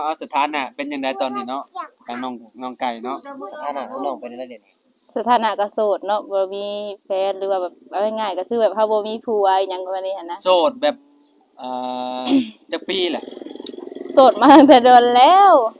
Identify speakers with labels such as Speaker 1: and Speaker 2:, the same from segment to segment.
Speaker 1: เอาสถานะเป็นจังไดตอนนี้เนาะทางน้องไก่เนาะ
Speaker 2: สถานะน้องเป็นได้เด่น
Speaker 3: สถานะก็โสดเนาะบ่มีแฟนหรือว่าแบบเอาง่ายๆก็คือแบบเฮาบ่มีผัวอิหยังประมาณนี้หั่นนะ
Speaker 1: โสดแบบเอ่อจักปีแหละ
Speaker 3: โสดมาตั้งแต่โดนแล้ว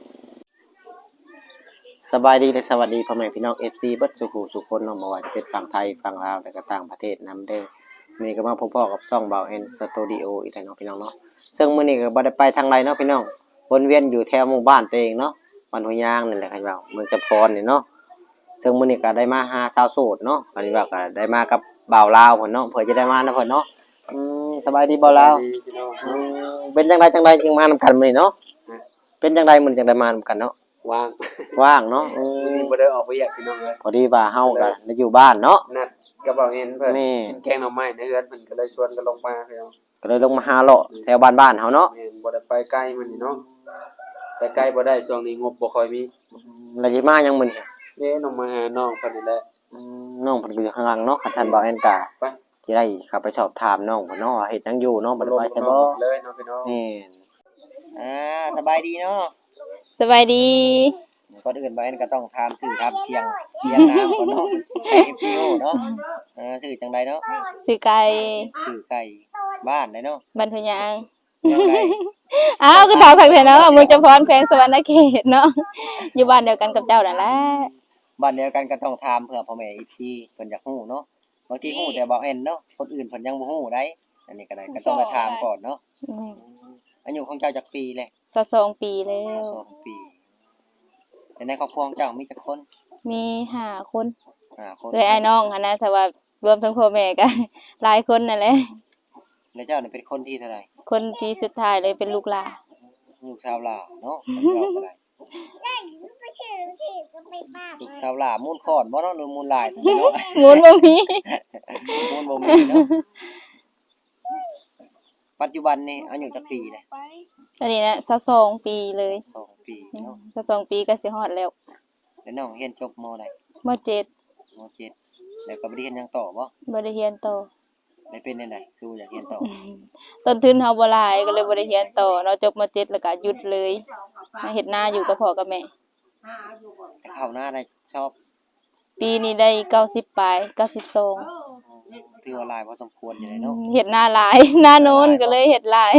Speaker 2: สบายดีและสวัสดีพ่อแม่พี่น้อง FC เบิดสุขุสุขคนเนาะบ่ว่าจะเป็นฝั่งไทยฝั่งลาวและก็ต่างประเทศนำเด้อมื้อนี้ก็มาพบกับช่องเบาแอนสตูดิโออีกแล้วเนาะพี่น้องเนาะซึ่งมื้อนี้ก็บ่ได้ไปทางใดเนาะพี่น้องวนเวียนอยู่แถวหมู่บ้านตัวเองเนาะบ้านห้วยยางนั่นแหละครับเมืองจำพรนี่เนาะซึ่งมื้อนี้ก็ได้มาหาสาวโสดเนาะอันนี้ว่าก็ได้มากับบ่าวลาวเพิ่นเนาะเพื่อจะได้มานะเพิ่นเนาะสบายดีบ่าวลาวเป็นจังไดจึงมานำกันมื้อนี้เนาะเป็นจังไดมื้อจังได้มานำกันเนาะว่างเนาะ
Speaker 1: บ่ได้ออกไปอยากพี่น้องเอ้ย
Speaker 2: พอดีว่าเฮาก็ได้อยู่บ้านเนาะ
Speaker 1: นัดกับบ่าวเห็นเพิ่น
Speaker 2: นี่
Speaker 1: แกงหน่อไม้ในเฮือนเพิ่นก็เลยชวนกันลงมาพี่น้อง
Speaker 2: ก็เลยลงมาหาเลาะแถวบ้านๆเฮาเนาะ
Speaker 1: แม่นบ่ได้ไปไกลมื้อนี้เนาะไปไกลบ่ได้ช่วงนี้งบบ่ค่อยมี
Speaker 2: แล้วสิมายังมื้อนี้
Speaker 1: น้องมาหาน้องเพิ่นนี่แหละ
Speaker 2: น้องเพิ่นก็อยู่ข้างหลังเนาะคันท่านบ่แม่นกะ
Speaker 1: ไป
Speaker 2: สิได้เข้าไปสอบถามน้องเพิ่นเนาะว่าเฮ็ดหยังอยู่เนาะบ่ได้ไปใช่บ่
Speaker 1: เลยเนาะพี่น้อง
Speaker 2: แม่นสบายดีเนาะ
Speaker 3: สบายดี
Speaker 2: ก่อนอื่นบ่แม่นก็ต้องถามชื่อถามเสียงเรียงนามก่อนเนาะ FCO เนาะชื่อจังไดเนาะ
Speaker 3: ชื่อไก่
Speaker 2: ชื่อไก่บ้านไดเนาะ
Speaker 3: บ้านพะยาง
Speaker 2: ยังไง
Speaker 3: อ้าวก็ถามคักแท้เนาะเมืองจำพรแขวงสะหวรรณเขตเนาะอยู่บ้านเดียวกันกับเจ้านั่นแหละ
Speaker 2: บ้านเดียวกันก็ต้องถามเพื่อพ่อแม่ FC เพิ่นอยากฮู้เนาะบางทีฮู้แต่บ่แม่นเนาะคนอื่นเพิ่นยังบ่ฮู้ได้อันนี้ก็ได้ก็ต้องมาถามก่อนเนาะอายุของเจ้าจักปีแหละ
Speaker 3: 22ปีแล้ว
Speaker 2: 22ปีในครอบครัวของเจ้ามีจักคน
Speaker 3: มี5คน
Speaker 2: 5คน
Speaker 3: เอ้ยอ้ายน้องหั่นนะแต่ว่ารวมทั้งพ่อแม่ก็หลายคนนั่นแหละ
Speaker 2: แล้วเจ้านี่เป็นคนที่เท่าไหร่
Speaker 3: คนที่สุดท้ายเลยเป็นลูกหลาน
Speaker 2: ลูกสาวหลาเนาะเราก็ได้ลูกสาวหลามูลคอนบ่เนาะหรือมูลลายเนาะ
Speaker 3: มูลบ่มี
Speaker 2: มูลบ่มีเนาะปัจจุบันนี่อายุจักปีเลย
Speaker 3: อันนี้นะ22ปีเลย
Speaker 2: 2ปีเนาะ
Speaker 3: 22ปีก็สิฮอดแล้ว
Speaker 2: แล้วน้องเรียนจบม.ใด
Speaker 3: ม.7
Speaker 2: ม.7แล้วก็บ่ได้เรียนหยังต่อบ่
Speaker 3: บ่ได้เรียนต่อ
Speaker 2: ได้เป็นจังได๋คือบ่อยากเรียนต่อ
Speaker 3: ต้นทุนเฮาบ่หลายก็เลยบ่ได้เรียนต่อเนาะจบม.7แล้วก็หยุดเลยมาเฮ็ดนาอยู่กับพ่อกับแม่
Speaker 2: เข้าหน้าได้ชอบ
Speaker 3: ปีนี้ได้90ปลาย92
Speaker 2: ถือว่าหลายพอสมควรอยู่เลยเนาะ
Speaker 3: เฮ็ดนาหลายนาโน้นก็เลยเฮ็ดหลาย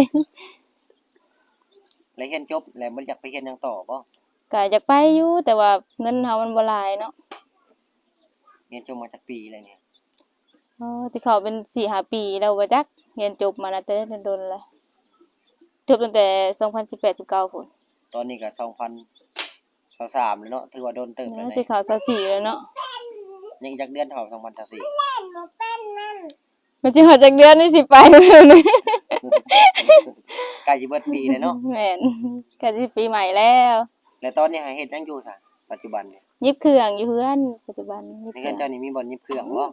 Speaker 2: แล้วเรียนจบแล้วบ่อยากไปเรียนหยังต่อบ่
Speaker 3: ก็อยากไปอยู่แต่ว่าเงินเฮามันบ่หลายเนาะ
Speaker 2: เรียนจบมาจักปีแล้วเนี่ย
Speaker 3: สิเข้าเป็น 4-5 ปีแล้วบ่จักเรียนจบมาแล้วแต่โดนๆแล้วจบตั้งแต่2018-19พุ่น
Speaker 2: ตอนนี้ก็2023แล้วเนาะถือว่าโดนเติบแล้ว
Speaker 3: สิเข้า24แล้วเนาะ
Speaker 2: ยังอีกจักเดือนเท่า2024
Speaker 3: มันสิฮอดจักเดือนนี่สิไปแล้วนี่
Speaker 2: ใกล้สิเบิดปีแล้วเนาะ
Speaker 3: แม่นใกล้สิปีใหม่แล้ว
Speaker 2: แล้วตอนนี้หาเฮ็ดหยังอยู่ซะปัจจุบันเนี่ย
Speaker 3: ยิบเครื่องอยู่เฮือนปัจจุบัน
Speaker 2: ยิบเครื่องเจ้านี่มีบ่อนยิบเครื่องบ่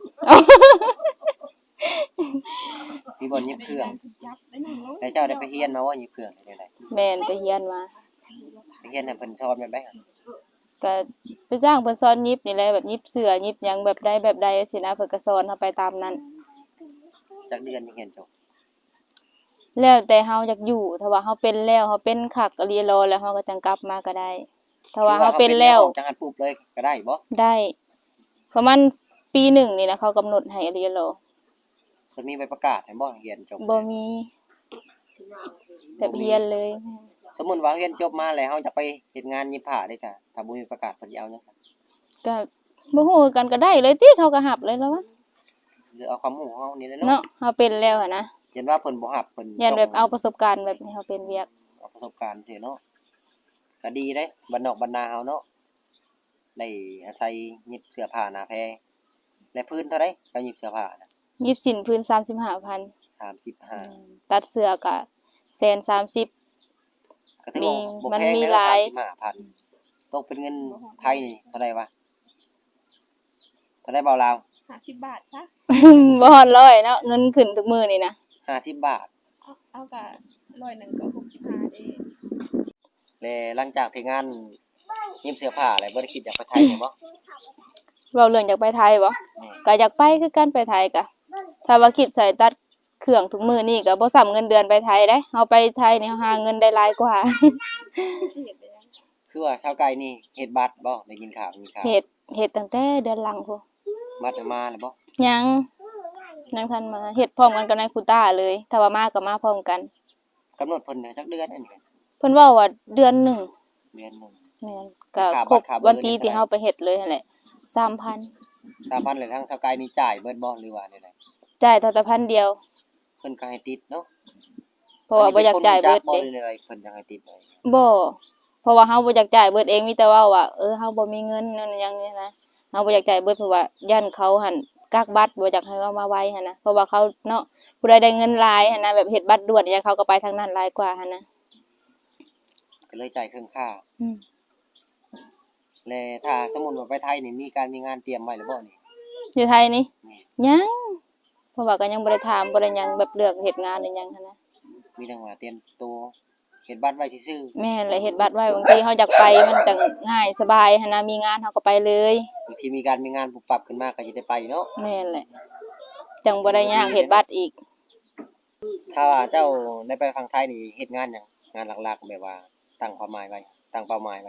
Speaker 2: มีบ่อนยิบเครื่องแล้วเจ้าได้ไปเรียนมาว่ายิบเครื่องได้ได
Speaker 3: แม่นไปเรียนมา
Speaker 2: ไปเรียนให้เพิ่นสอนแบบใด
Speaker 3: ก็ไปจ้างเพิ่นสอนยิบนี่แหละแบบยิบเสื้อยิบหยังแบบใดสินะเพิ่นก็สอนเฮาไปตามนั้น
Speaker 2: จักเดือนจังเรียนจบ
Speaker 3: แล้วแต่เฮาอยากอยู่ถ้าว่าเฮาเป็นแล้วเฮาเป็นคักอลีรอแล้วเฮาก็จังกลับมาก็ได้ถ้าว่าเฮาเป็นแล้ว
Speaker 2: จังหัดปุ๊บเลยก็ได้บ่
Speaker 3: ได้ประมาณปี1นี่นะเขากำหนดให้อลีรอ
Speaker 2: เพิ่นมีใบประกาศให้บ่เรียนจบ
Speaker 3: บ่มีแบบเรียนเลย
Speaker 2: สมมุติว่าเรียนจบมาแล้วเฮาจะไปเฮ็ดงานยิบผ้าได้จ้ะถ้าบ่มีประกาศเพิ่นสิเอาหยัง
Speaker 3: ก็บ่ฮู้กันก็ได้เลยติเขาก็รับเลยแล้ววะ
Speaker 2: หรือเอาความรู้ของเฮานี่แหละ
Speaker 3: เนาะเฮาเป็นแล้วอะนะ
Speaker 2: เห็นว่าเพิ่นบ่รับเพิ่น
Speaker 3: ยันแบบเอาประสบการณ์แบบให้เฮาเป็นเวียก
Speaker 2: เอาประสบการณ์ซิเนาะก็ดีเด้บ้านนอกบ้านนาเฮาเนาะได้อาศัยยิบเสื้อผ้าหน้าแพและพื้นเท่าใดก็ยิบเสื้อผ้าน่ะ
Speaker 3: ยิบสินพื้น 35,000
Speaker 2: 35
Speaker 3: ตัดเสื้อก็130,000
Speaker 2: ก็ถือว่าบ่แพงเลย35,000ตกเป็นเงินไทยนี่เท่าใดวะเท่าใดบ่าวลาว
Speaker 4: 50 บาทซะ
Speaker 3: บ่ฮอด100เนาะเงินขึ้นทุกมื้อนี่นะ
Speaker 2: 50 บาท
Speaker 4: เอาก็100นึงก็65เด้
Speaker 2: แล้วหลังจากที่งานยิบเสื้อผ้าแล้วบ่ได้คิดอยากไปไทยบ่
Speaker 3: เว้าเรื่องอยากไปไทยบ่ก็อยากไปคือกันไปไทยก็ถ้าว่าคิดใส่ตัดเครื่องทุกมื้อนี่ก็บ่ซ้ำเงินเดือนไปไทยเด้เฮาไปไทยนี่หาเงินได้หลายกว่า
Speaker 4: สิเฮ็ดได้ยัง
Speaker 2: คือว่าชาวไก่นี่เฮ็ดบัตรบ่ได้กินข้าวมีข้าว
Speaker 3: เฮ็ดตั้งแต่เดือนหลังพู้น
Speaker 2: บัตรมาแล้วบ่
Speaker 3: ยังทันมาเฮ็ดพร้อมกันกับนายคูต้าเลยถ้าว่ามาก็มาพร้อมกัน
Speaker 2: กำหนดเพิ่นจักเดือนอันนี้
Speaker 3: เพิ่นเว้าว่าเดือนหนึ่ง
Speaker 2: เดือนหนึง
Speaker 3: แม่นก็
Speaker 2: ค่า
Speaker 3: คร
Speaker 2: บั
Speaker 3: บ
Speaker 2: ตรค่าเบอร์
Speaker 3: วันที่
Speaker 2: นี่
Speaker 3: ที่
Speaker 2: เท่าไหร่
Speaker 3: เฮาไปเฮ็ดเลยนั่นแหละ 3,000
Speaker 2: 3,000เลยทางชาวไก่นี่จ่ายเบิดบ่หรือว่าได
Speaker 3: จ่ายเท่าแต่1,000เดียว
Speaker 2: เพิ่นก็ให้ติดเนาะ
Speaker 3: เพราะว่าบ่อยากจ่ายเบิด
Speaker 2: บ่
Speaker 3: เด้
Speaker 2: หรืออะไรเพิ่นอยากให้ติดไว้
Speaker 3: บ่เพราะว่าเฮาบ่อยากจ่ายเบิดเองมีแต่เว้าว่าเฮาบ่มีเงินนั่นอย่างนี้นะเฮาบ่อยากจ่ายเบิดเพราะว่าย่านเขาหั่นกักบัตรบ่อยากให้เอามาไว้หั่นนะเพราะว่าเขาเนาะผู้ใดได้เงินหลายหั่นนะแบบเฮ็ดบัตรด่วนอย่างเขาก็ไปทางนั้นหลายกว่าหั่นนะ
Speaker 2: ก็เลยจ่ายครึ่งค่า
Speaker 3: อืม
Speaker 2: และถ้าสมมุติว่าไปไทยนี่มีงานเตรียมไว้หรือบ่นี่
Speaker 3: อยู่ไทยนี่
Speaker 2: นี่
Speaker 3: ยังเพราะว่าก็ยังบ่ได้ถามบ่ได้หยังแบบเลือกเฮ็ดงานหรือหยังหั่นนะ
Speaker 2: มีแต่ว่าเตรียมตัวเฮ็ดบัตรไว้ซื่อ
Speaker 3: แม่นเลยเฮ็ดบัตรไว้บางทีเฮาอยากไปมันจังง่ายสบายหั่นนะมีงานเฮาก็ไปเลย
Speaker 2: ๆบางทีมีงานปุบปับขึ้นมาก็สิได้ไปเนาะ
Speaker 3: แม่นแหละจังบ่ได้ยากเฮ็ดบัตรอีก
Speaker 2: ถ้าว่าเจ้าได้ไปฝั่งไทยนี่เฮ็ดงานหยังงานหลักๆแบบว่าตั้งเป้าหมายไว้
Speaker 3: ตั้งเป้าหมายไว้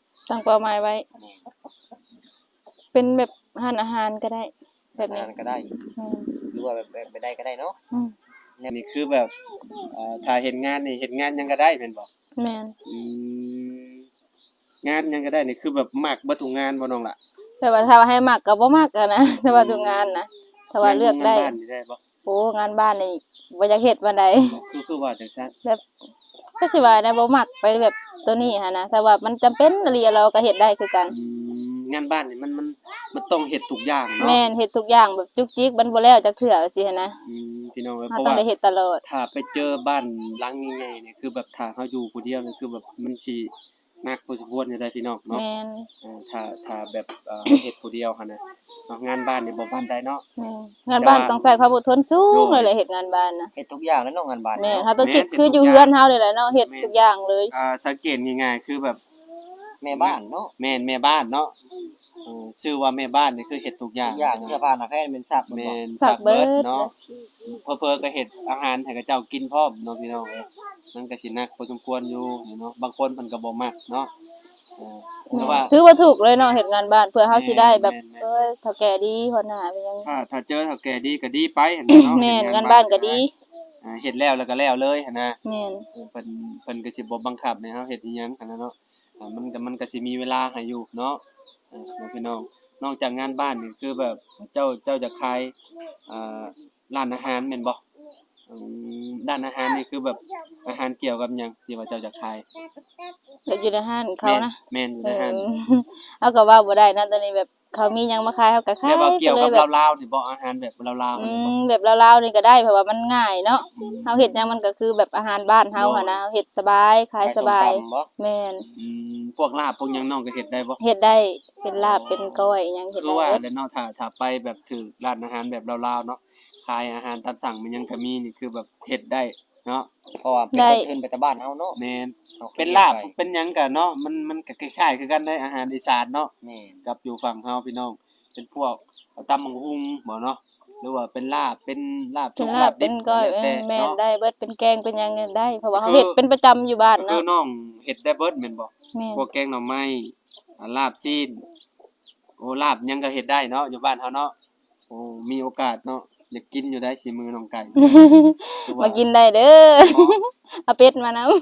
Speaker 2: นี่
Speaker 3: เป็นแบบร้านอาหารก็ได้ แบบนี้
Speaker 2: งานก็ได้
Speaker 3: อืม
Speaker 2: หรือว่าแบบไปได้ก็ได้เนาะ
Speaker 3: อืม
Speaker 1: นี่คือแบบถ้าเฮ็ดงานนี่เฮ็ดงานหยังก็ได้แม่นบ่
Speaker 3: แม่น
Speaker 1: อืมงานหยังก็ได้นี่คือแบบมักเบิดทุกงานบ่น้องล่ะ
Speaker 3: แต่ว่าถ้าว่าให้มักก็บ่มักอะนะ แต่ว่าทุกงานนะถ้าว่าเลือกได้
Speaker 1: งานบ้านนี่ได้บ่
Speaker 3: โอ้งานบ้านนี่บ่อยากเฮ็ดปานใด
Speaker 1: คือว่าจังซั่น
Speaker 3: แบบก็สิว่าได้บ่มักไปแบบตัวนี้หันนะแต่ว่ามันจำเป็นอีหลีเราก็เฮ็ดได้คือกัน
Speaker 1: งานบ้านนี่มันต้องเฮ็ดทุกอย่างเนาะ
Speaker 3: แม่นเฮ็ดทุกอย่างแบบจุกจิกมันบ่แล้วจักเทื่อว่าซี่หันนะ
Speaker 1: พี่น้องเอ้ย
Speaker 3: เรา
Speaker 1: เพราะ
Speaker 3: ต้อง
Speaker 1: ว่า
Speaker 3: ได้เฮ็ดตลอด
Speaker 1: ถ้าไปเจอบ้านหลังใหญ่ๆเนี่ยคือแบบถ้าเฮาอยู่ผู้เดียวนี่คือแบบมันสิหนักพอสมควรอยู่ได้พี่น้องเนาะ
Speaker 3: แม่น
Speaker 1: ถ้าแบบเฮ็ดผู้เดียวหั่นน่ะเนาะงานบ้านนี่บ่ปานใดเนาะ
Speaker 3: แม่นงานบ้านต้องใช้ความอดทนสูงเลยแหละเฮ็ดงานบ้านนะ
Speaker 2: เฮ็ดทุกอย่างแล้วเนาะงานบ้าน
Speaker 3: แม่น
Speaker 2: เนาะ
Speaker 3: เฮาต้องคิดคืออยู่เฮือนเฮานี่แหละเนาะเฮ็ดทุกอย่างเลย
Speaker 1: สังเกตง่ายๆคือแบบ
Speaker 2: แม่บ้านเนาะ
Speaker 1: แม่นแม่บ้านเนาะชื่อว่าแม่บ้านนี่คือเฮ็ดทุกอย่าง
Speaker 2: ทุกอย่างเสื้อผ้าหน้าแพทย์เป็นซัก
Speaker 1: แม่น
Speaker 3: สักเบิด
Speaker 1: เนาะเพิ่นก็เฮ็ดอาหารให้กับเจ้ากินพร้อมเนาะพี่น้องเอ้ยมันก็สิหนักพอสมควรอยู่เนาะบางคนเพิ่นก็บ่มักเนาะแต่ว่า
Speaker 3: ถือว่าถูกเลยเนาะเฮ็ดงานบ้านเพื่อเฮาสิได้แบบ
Speaker 1: แม่น
Speaker 3: เฒ่าแก่ดีหัวหน้าเป็นหยัง
Speaker 1: ถ้าเจอเฒ่าแก่ดีก็ดีไปหั่นน่ะเนาะ
Speaker 3: แม่นงานบ้านก็ดี
Speaker 1: เฮ็ดแล้วก็แล้วเลยหั่นน่ะ
Speaker 3: แม่น
Speaker 1: เพิ่นก็สิบ่บังคับให้เฮาเฮ็ดอีหยังหั่นน่ะเนาะมันก็สิมีเวลาให้อยู่เนาะพี่น้องนอกจากงานบ้านนี่คือแบบเจ้าจะขายร้านอาหารแม่นบ่ด้านอาหารนี่คือแบบอาหารเกี่ยวกับหยังที่ว่าเจ้าจะขาย
Speaker 3: แบบอยู่ในห้านเขานะ
Speaker 1: แม่นอยู่ในห้าง
Speaker 3: เอาก็ว่าบ่ได้นะตอนนี้แบบเขามีหยังมาขายเฮาก็ขาย
Speaker 1: แบบว่า
Speaker 3: ไป
Speaker 1: เกี่ยว
Speaker 3: เล
Speaker 1: กั
Speaker 3: ย
Speaker 1: บ
Speaker 3: แบบ
Speaker 1: ลาวๆนี่บ่อาหารแบบลาวๆ
Speaker 3: อื
Speaker 1: นี่บ่
Speaker 3: มแบบลาวๆนี่ก็ได้เพราะว่ามันง่ายเนาะเฮาเฮ็ดหยังมันก็คือแบบอาหารบ้านเฮาหั่นนะเฮ็ดสบายขายสบาย
Speaker 2: ไปส้มตำบ่
Speaker 3: แม่น
Speaker 1: พวกลาบพวกหยังน้องก็เฮ็ดได้บ่
Speaker 3: เฮ็ดได้เป็นลาบเป็นก้อยหยังเฮ็ด
Speaker 1: คือ
Speaker 3: ได้
Speaker 1: ว่า
Speaker 3: เบิด
Speaker 1: แล้วเนาะถ้าไปแบบถือร้านอาหารแบบลาวๆเนาะขายอาหารตามสั่งมันยังก็มีนี่คือแบบเฮ็ดได้เนาะ
Speaker 2: เพราะว่าเป็นคนอื่นไปแต่บ้านเฮาเนาะ
Speaker 1: แม่น
Speaker 2: อา
Speaker 1: เป็นลาบเป็นหยังก็เนาะมันก็คล้ายๆคือกันได้อาหารอีสานเนาะ
Speaker 2: แม่น
Speaker 1: กับอยู่ฝั่งเฮาพี่น้องเป็นพวกตำบักหุ่งบ่เนาะหรือว่าเป็นลาบเป็นลาบ
Speaker 3: เป็น
Speaker 1: สุก
Speaker 3: ลาบเป็นก้อย
Speaker 1: แล้วแต่
Speaker 3: แม่น
Speaker 1: เนาะ
Speaker 3: ได้เบิดเป็นแกงเป็นหยังก็ได้ เพราะว่าเฮา
Speaker 1: คือ
Speaker 3: เฮ็ดเป็นประจำอยู่บ้าน
Speaker 1: คื
Speaker 3: เนาะ
Speaker 1: อน้องเฮ็ดได้เบิดแม่นบ่
Speaker 3: แม่น
Speaker 1: พวกแกงหน่อไม้ลาบซีนโอ้ลาบหยังก็เฮ็ดได้เนาะอยู่บ้านเฮาเนาะโอ้มีโอกาสเนาะอยากกินอยู่ได้สิมือน้องไก่
Speaker 3: มากินได้เด้อเอาเป็ดมานำ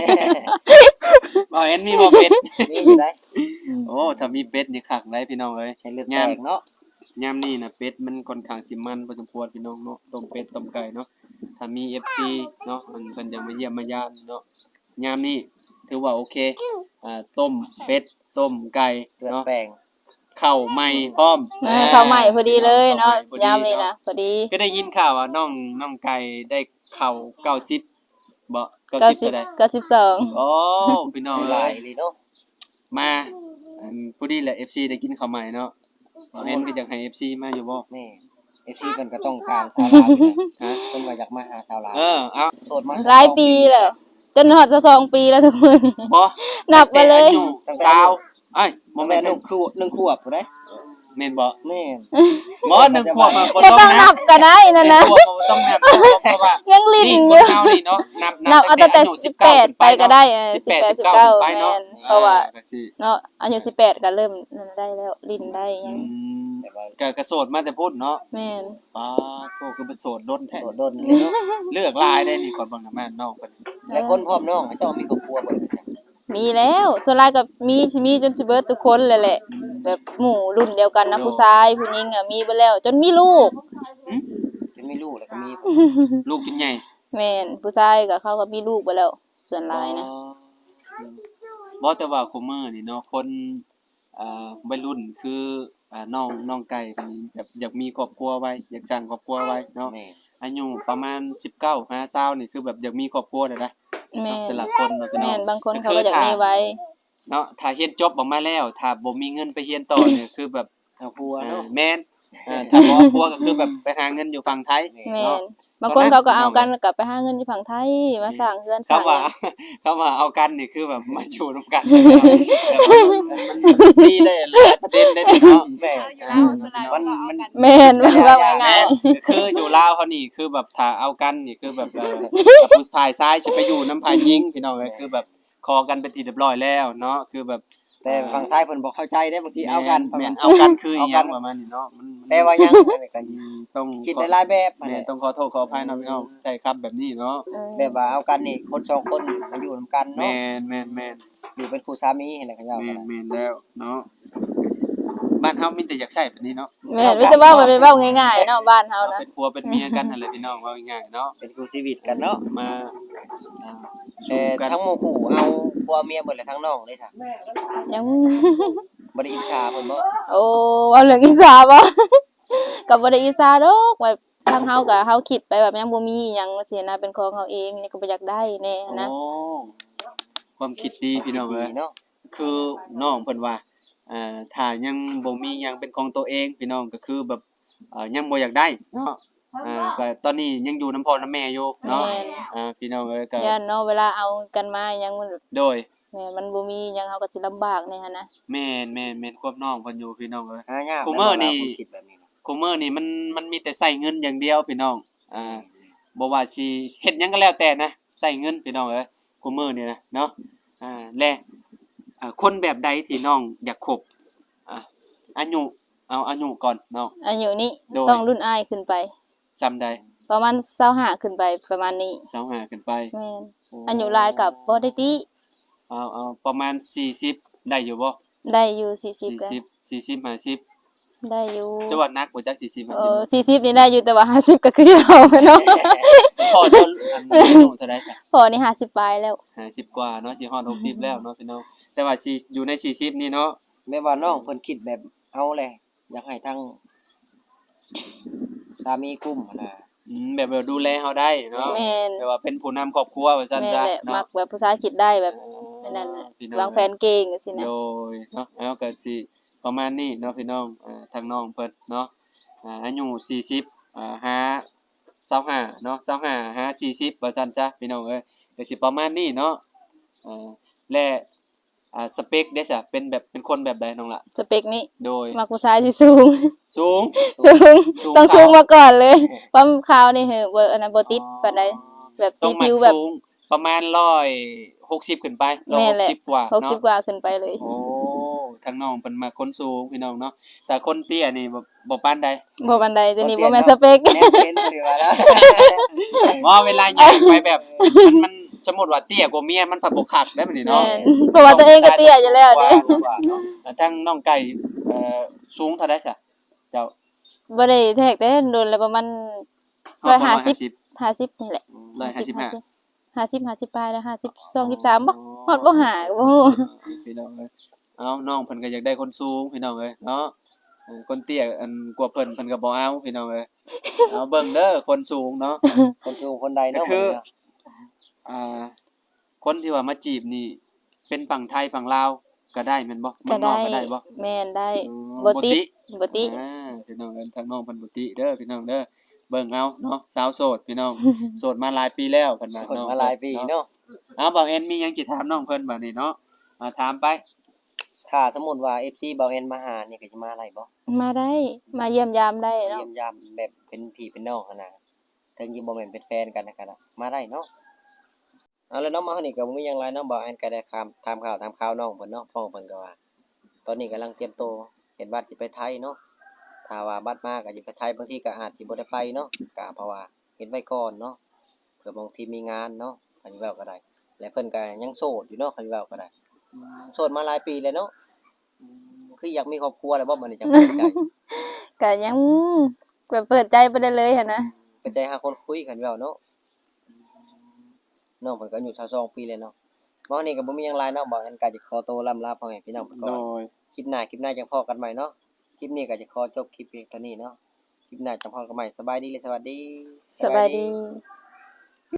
Speaker 1: บ่เห็นมีบ่เป็ด
Speaker 2: มีอยู่ได้
Speaker 1: โอ้ถ้ามีเป็ดนี่คักได้พี่น้องเอ้ย
Speaker 2: ให้เลือดแตกเนาะ
Speaker 1: ยามนี้น่ะเป็ดมันค่อนข้างสิมันพอสมควรพี่น้องเนาะต้มเป็ดต้มไก่เนาะถ้ามี FC เนาะมันเพิ่นจะมาเยี่ยมมายามเนาะยามนี้ถือว่าโอเคต้มเป็ดต้มไก่
Speaker 2: เลือด
Speaker 1: เนาะ
Speaker 2: แปลง
Speaker 1: ข้าวใหม่พร้อม
Speaker 3: ข้าวใหม่พอดีเลยเนาะ
Speaker 1: ข้วให
Speaker 3: ยามนี้
Speaker 1: พอดี
Speaker 3: นะพอดี
Speaker 1: ก็ได้ยินข่าวว่าน้องไก่ได้ข้าว90บ่90เท่าใด
Speaker 3: 92
Speaker 1: โอ้พี่น้อง
Speaker 2: ห
Speaker 1: เอ้
Speaker 2: ลาย
Speaker 1: ย
Speaker 2: เลยเนาะ
Speaker 1: มาพอดีแหละ FC ได้กินข้าวใหม่เนาะเห็นก็อยากให้ FC มาอยู่บ่
Speaker 2: แม่ FC เพิ่นก็ต้องการชาวลาวอยู่นะ
Speaker 1: ฮะ
Speaker 2: เพิ่นก็อยากมาหาชาวลาว
Speaker 1: เอา
Speaker 2: โสดมา
Speaker 3: หลายปีแล้วจนฮอดจะ2ปีแล้วทุกมื้อนี้
Speaker 1: บ่
Speaker 3: นับมาเลย
Speaker 1: ตั้งแต่อายุสาวเอ้ยบ่
Speaker 2: บ่
Speaker 1: แม่
Speaker 2: แม่
Speaker 1: น
Speaker 2: น1 ขวบพุ่นเด้
Speaker 1: แม่นบ่
Speaker 2: แม่น
Speaker 1: บ่1ขวบอะบ่
Speaker 3: ก็
Speaker 1: ต้
Speaker 3: ต้
Speaker 1: อ
Speaker 3: อง ง
Speaker 1: นั
Speaker 3: นั
Speaker 1: บบ
Speaker 3: ก็ได้นั่น
Speaker 1: หนึ่
Speaker 3: นะ
Speaker 1: งขวบบ่ต้องนับเพราะว่า
Speaker 3: ยังลิ้น
Speaker 1: นี่
Speaker 3: อ
Speaker 1: ค
Speaker 3: ยู่
Speaker 1: นเฮานี่เนาะนับ
Speaker 3: นับเอาตั้งแต่
Speaker 1: อายุ
Speaker 3: 18ไปก็ได้18 19
Speaker 1: ไป
Speaker 3: แม่
Speaker 1: เนาะ
Speaker 3: นเพราะว่า
Speaker 1: ก็สิ
Speaker 3: เนาะอายุ18ก็เริ่มนั่นได้แล้วลิ้นได้ยั
Speaker 1: อื
Speaker 3: ง
Speaker 1: ม
Speaker 2: แต่ว่า
Speaker 1: ก็โสดมาแต่พุ่นเนาะ
Speaker 3: แม่น
Speaker 1: ป้าโทคือเป็นโสดดนแท้
Speaker 2: โดดโดนเลยเนาะ
Speaker 1: เลือกหลายได้นี่ก่อนเบิ่งน่ะแม่น้องเพิ่น
Speaker 2: หลายคนพร้อมน้องเจ้ามีครอบครัวบ่ได้
Speaker 3: มีแล้วส่วนหลายก็มีสิมีจนสิเบิดทุกคนเลยแหละ แบบหมู่รุ่นเดียวกันนะผู้ชายผู้หญิงอ่ะมีไปแล้ว จนมีลูก
Speaker 2: จะมีลูกแล้วก็มี
Speaker 1: ลูกกินใหญ่
Speaker 3: แม่นผู้ชายก็เขาก็มีลูกไปแล้ว ส่วนหลายนะ
Speaker 1: บ่แต่ว่าคุมื้อนี่เนาะคนวัยรุ่นคือน้องไก่คนนี้แบบอยากมีครอบครัวไว้อยากสร้างครอบครัวไว้เนาะ
Speaker 2: แม่
Speaker 1: อายุประมาณ19 50นี่คือแบบอยากมีครอบครัวได้นะ
Speaker 3: แม่น
Speaker 1: แต่ละคนเนาะพี่น้
Speaker 3: แม่
Speaker 1: อง
Speaker 3: นบางคนเขาก็อยากมีไว้
Speaker 1: เนาะถ้าเรียนจบออกมาแล้วถ้าบ่มีเงินไปเรียนต่อเนี่ยคือแบบ
Speaker 2: ครอบครัวเนาะ
Speaker 1: แม่นถ้าบ่ครอบครัวก็คือแบบไปหาเงินอยู่ฝั่งไทย
Speaker 3: แม่
Speaker 1: เนาะ
Speaker 3: นบางคนเขาก็เอากันกลับไปหาเงินที่ฝั่งไทยมาสร้างเรือนสร้าง
Speaker 1: เขาว่า
Speaker 3: หยัง
Speaker 1: เขาว่าเอากันนี่คือแบบมาอยู่นํกันมีได้หลายประเด็นได้เนาะ
Speaker 2: แม่
Speaker 4: เอาอยู่แล้วส่วนหลายก็เอากัน
Speaker 3: แม่นว่าง่า
Speaker 1: แม่
Speaker 3: ย
Speaker 1: คืออยู่ลาวเขานี่คือแบบถ้าเอากันนี่คือแบบผู้ชายซ้ายสิไปอยู่น้ำพายยิงพี่น้องเอ้ยคือแบบคอกันเป็นที่เรียบร้อยแล้วเนาะคือแบบ
Speaker 2: แต่ฝั่งซ้ายเพิ่นบ่เข้าใจได้บางทีเอากัน
Speaker 1: แม่นเอากันคืออีหยังประมาณนี้เนาะมัน
Speaker 2: แต่ว่ายังอันนี้ก็
Speaker 1: ต้อง
Speaker 2: คิดได้หลายแบบ
Speaker 1: แม่นต้องขอโทษขออภัยเนาะพี่น้องใช่ครับแบบนี้เนาะ
Speaker 3: ๆเออ
Speaker 2: แบบว่าเอากันนี่คนสองคนมาอยู่นำกัน
Speaker 1: แม่
Speaker 2: เนาะ
Speaker 1: นแม่น
Speaker 2: อยู่เป็นคู่สามีเห็นแล้วก็ยาว
Speaker 1: แม่
Speaker 2: กัน
Speaker 1: นแม่นแล้วเนาะบ้านเฮามีแต่อยากใช้แบบนี้เนาะ
Speaker 3: แม่นมีแต่เว้าแบบเว้าง่ายๆเนาะบ้านเฮานะ
Speaker 1: เป็นผัวเป็นเมียกันนั่นแหละพี่น้องว่าง่ายๆเนาะ
Speaker 2: เป็นคู่ชีวิตกันเนาะ
Speaker 1: มาอ่า
Speaker 2: แต่
Speaker 1: สู้กัน
Speaker 2: ทั้งหมู่คู่เอาผัวเมียเบิดเลยทั้งน้องเลยค่ะ
Speaker 3: ยัง
Speaker 2: บ่ได้อิจฉาเพิ่นบ่
Speaker 3: โอ้เอาเรื่องอีสาบ่ ก็บ่ได้อีสาดอกแบบทางเฮาก็เฮาคิดไปแบบยังบ่มีหยังสินะเป็นของเฮาเองนี่ก็บ่อยากได้แน่นะ
Speaker 1: โอ้ความคิดดีพี่น้องเอ้ย
Speaker 2: เนาะ
Speaker 1: คือน้องเพิ่นว่าถ้ายังบ่มีหยังเป็นของตัวเองพี่น้องก็คือแบบยังบ่อยากได้เนาะก็ตอนนี้ยังอยู่นำพ่อนำแม่อยู่เนาะ
Speaker 3: แม่น
Speaker 1: พี่น้องเอ้ยก็
Speaker 3: ย่านเนาะเวลาเอากันมายังมัน
Speaker 1: โดย
Speaker 3: แม่นมันบ่มีหยังเฮาก็สิลำบากแน่หันนะ
Speaker 1: แม่นควบน้องเพิ่นอยู่พี่น้องเอ้ย
Speaker 2: หายาก
Speaker 1: คู่มื้อนี่
Speaker 2: เวลาคนคิดแบบนี้เนาะ
Speaker 1: คุมื้อนี่มันมีแต่ใช้เงินอย่างเดียวพี่น้องบ่ว่าสิเฮ็ดหยังก็แล้วแต่นะใช้เงินพี่น้องเอ้ยคุมื้อนี่นะเนาะและคนแบบใดที่น้องอยากคบอายุเอาอายุก่อนน้อง
Speaker 3: อายุนี้
Speaker 1: โดย
Speaker 3: ต้องรุ่นอ้ายขึ้นไป
Speaker 1: จำได้
Speaker 3: ประมาณ25ขึ้นไปประมาณนี้
Speaker 1: 25ขึ้นไป
Speaker 3: แม่นอายุหลายกับบ่ได้ติ
Speaker 1: เอาประมาณ40ได้อยู่บ่
Speaker 3: ได้อยู่40ก็
Speaker 1: 40 50
Speaker 3: ได้อยู่
Speaker 1: จังหวัดนักบ่จัก40
Speaker 3: 40นี่ได้อยู่แต่ว่า50ก็คือสิเอาเนาะ
Speaker 1: 50พอจะอายุเท่าใดจ้ะ
Speaker 3: พอนี่50ปลายแล้ว
Speaker 1: 50กว่าเนาะสิฮอด60แล้วเนาะพี่น้องแต่ว่าสิอยู่ใน40นี่เนาะ
Speaker 2: แม่ว่าน้องเพิ่นคิดแบบเอาแหละอยากให้ทั้งสามีกุ้มหั่นน่ะ
Speaker 1: แบบดูแลเฮาได้เนาะ
Speaker 3: แม่น
Speaker 1: แบบว่าเป็นผู้นำครอบครัวว่าซั่น
Speaker 3: แม่น
Speaker 1: ซะ
Speaker 3: แหละมั
Speaker 1: เนาะ
Speaker 3: กแบบภาษาอังกฤษได้แบบนั่นน่ะ
Speaker 1: พี่น้อ
Speaker 3: วางแผนเก่งจังซี่นะ
Speaker 1: โดยเนาะแล้วก็สิประมาณนี้เนาะพี่น้องทางน้องเพิ่นเนาะอายุ40หา25เนาะ25หา40ว่าซั่นซะพี่น้องเอ้ยก็สิประมาณนี้เนาะและสเปคเด้ซะเป็นแบบเป็นคนแบบใดน้องล่ะ
Speaker 3: สเปคนี้
Speaker 1: โดย
Speaker 3: มักผู้ชายที่สูง
Speaker 1: สูง
Speaker 3: สูง
Speaker 1: สูง
Speaker 3: ต้องสูง
Speaker 1: ขาว
Speaker 3: มาก่อนเลยความขาวนี่เหอะบ่อันนั้นบ่ติดปานใดแบบ
Speaker 1: ต้
Speaker 3: สี
Speaker 1: องมั
Speaker 3: ผิ
Speaker 1: ก
Speaker 3: วแบบ
Speaker 1: สูงประมาณ160ขึ้นไป
Speaker 3: แม่นแหละ
Speaker 1: 160กว่าเนาะ
Speaker 3: 60กว่าขึ้นไปเลย
Speaker 1: โอ้ทางน้องเพิ่นมักคนสูงพี่น้องเนาะแต่คนเตี้ยนี่บ่ปานใด
Speaker 3: บ่ปานใดตัวนี้บ่แม่นสเปค
Speaker 2: แม่นเป็นหรือว่าแล้ว
Speaker 1: ว่าเวลาย่างไปแบบมันสมมุติว่าเตี้ยกว่าเมียมันผัดบ่คักได้บัดนี้
Speaker 3: แม่
Speaker 1: เนาะ
Speaker 3: นเพราะว่าตัวเองก็เตี้ยอยู่แล้วเด้
Speaker 1: ทางน้องไก่สูงเท่าใดซะเจ้า
Speaker 3: บ่ได้แทกแต่โดนแล้วประมาณ
Speaker 1: ฮอดบ่
Speaker 3: 50นี่แหละ
Speaker 1: 155
Speaker 3: 50ปลายแล้ว52 23บ่ฮอดบ่หาบ่ฮู้
Speaker 1: พี่น้องเอ้ยเอาน้องเพิ่นก็อยากได้คนสูงพี่น้องเอ้ยเนาะคนเตี้ยอันกว่าเพิ่นก็บ่เอาพี่น้องเอ้ยเอาเบิ่งเด้อคนสูงเนาะ
Speaker 2: คนสูงคนใดเนาะ
Speaker 1: ก็คือ คนที่ว่ามาจีบนี่เป็นฝั่งไทยฝั่งลาวก็ได้แม่นบ่เมื
Speaker 3: ก็
Speaker 1: องนอก
Speaker 3: ได้
Speaker 1: ก็ได้บ่
Speaker 3: แม่นได้
Speaker 1: อ๋อ
Speaker 3: บ่ติดบ่ติด
Speaker 1: พี่น้องเอิ้นทางน้องเพิ่นบ่ติเด้อพี่น้องเด้อเบิ่งเอาเนาะสาวโสดพี่น้อง โสดมาหลายปีแล้วเพิ่นว่า
Speaker 2: คน
Speaker 1: เนาะ
Speaker 2: มาหลายปีเนาะ
Speaker 1: เอาบ่เห็นมีหยังสิถามน้องเพิ่นบัดนี้เนาะถามไป
Speaker 2: ถ้าสมมุติว่า FC เบาแอนมาหานี่ก็สิมาได้บ่
Speaker 3: มาได้มาเยี่ยมยามได้เนาะ
Speaker 2: เยี่ยมยามแบบเป็นพี่เป็นน้องหั้นน่ะถึงสิบ่แม่นเป็นแฟนกันนะก็ได้มาได้เนาะเอาแล้วเนาะมาเฮานี่ก็บ่มีหยังหลายเนาะเบาแอนก็ได้ถามข่าวน้องเพิ่นเนาะพ่อเพิ่นก็ว่า ตอนนี้กำลังเตรียมตัวเฮ็ดบัตรสิไปไทยเนาะถ้าว่าบัตรมาก็สิไปไทยบางทีก็อาจสิบ่ได้ไปเนาะก็เพราะว่าเฮ็ดไว้ก่อนเนาะเผื่อบางทีมีงานเนาะคันสิเว้าก็ได้และเพิ่นก็ยังโสดอยู่เนาะคันสิเว้าก็ได้โสดมาหลายปีแล้วเนาะคืออยากมีครอบครัวแล้วบ่มื้อนี้จังเปิดใจ
Speaker 3: ก็ยังแบบเปิดใจไปได้เลยหั่นนะ
Speaker 2: เปิดใจหาคนคุยคันสิเว้าเนาะน้องเพิ่นก็อายุ22ปีแล้วเนาะมื้อนี้ก็บ่มีหยังหลายเนาะบ่อันก็สิขอตัวล่ำลาพ่อแม่พี่น้องไปก่
Speaker 1: โด
Speaker 2: อน
Speaker 1: ย
Speaker 2: คลิปหน้าจังพ้อกันใหม่เนาะคลิปนี้ก็จะขอจบคลิปเพียงเท่านี้เนาะคลิปหน้าจังพ้อกันใหม่สบายดีและสวัสดี
Speaker 3: สบายดี